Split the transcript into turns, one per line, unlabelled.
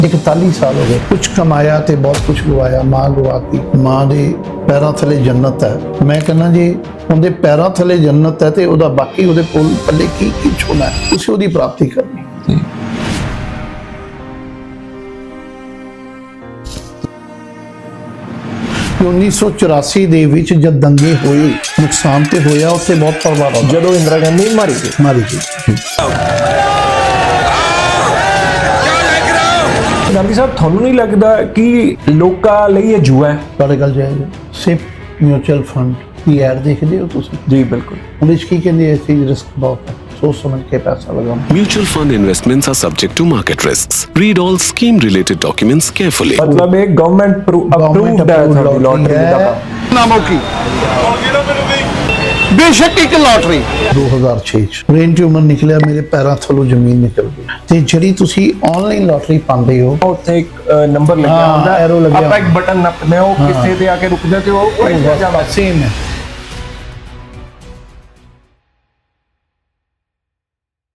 41 साल हो गए, कुछ कमाया ते बहुत कुछ गवाया, मां गवाती, मां दे पैरां थले जन्नत है। मैं कहना जी उनके पैरां थले जन्नत है ते ओदा बाकी ओदे कोल पल्ले की होना है, तुसीं ओदी प्राप्ति करनी। 1984 ਦੇ ਵਿੱਚ ਜਦ ਦੰਗੇ ਹੋਏ, ਨੁਕਸਾਨ ਤੇ ਹੋਇਆ, ਉੱਥੇ ਬਹੁਤ ਪਰਿਵਾਰ ਆਉਂਦਾ
ਜਦੋਂ ਇੰਦਰਾ ਗਾਂਧੀ ਮਾਰੀ
ਗਈ।
ਗਾਂਧੀ ਸਾਹਿਬ, ਤੁਹਾਨੂੰ ਨਹੀਂ ਲੱਗਦਾ ਕਿ ਲੋਕਾਂ ਲਈ ਇਹ ਜੂਆ ਹੈ?
ਤੁਹਾਡੇ ਗੱਲ ਜਾਇਜ਼ ਹੈ। ਸਿਪ ਮਿਊਚੁਅਲ ਫੰਡ ਦੀ ਐਡ ਦੇਖਦੇ ਹੋ ਤੁਸੀਂ?
ਜੀ ਬਿਲਕੁਲ।
ਉਹਦੇ 'ਚ ਕੀ ਕਹਿੰਦੇ, ਇਸ ਚੀਜ਼ ਰਿਸਕ ਬਹੁਤ ਹੈ, सोच समझ के पैसा लगाओ।
Mutual fund investments are subject to market risks. Read all scheme related documents carefully.
मतलब एक गवर्नमेंट अप्रूव्ड लॉटरी का काम।
नामों की बेशक एक लॉटरी 2006 ਚ ब्रेन ट्यूमर निकलिया, मेरे पैरों थलों जमीन निकल गई। ਤੇ ਜਿਹੜੀ ਤੁਸੀਂ ਆਨਲਾਈਨ ਲੋਟਰੀ ਪਾਉਂਦੇ ਹੋ,
ਉੱਥੇ ਇੱਕ ਨੰਬਰ ਲੱਗਿਆ ਹੁੰਦਾ,
ਐਰੋ ਲੱਗਿਆ,
ਆਪਾਂ ਇੱਕ ਬਟਨ ਨੱਪਦੇ ਹਾਂ, ਉਹ ਕਿਸੇ ਤੇ ਆ ਕੇ ਰੁਕ ਜਾਂਦੇ, ਉਹ
ਸੇਮ ਹੈ।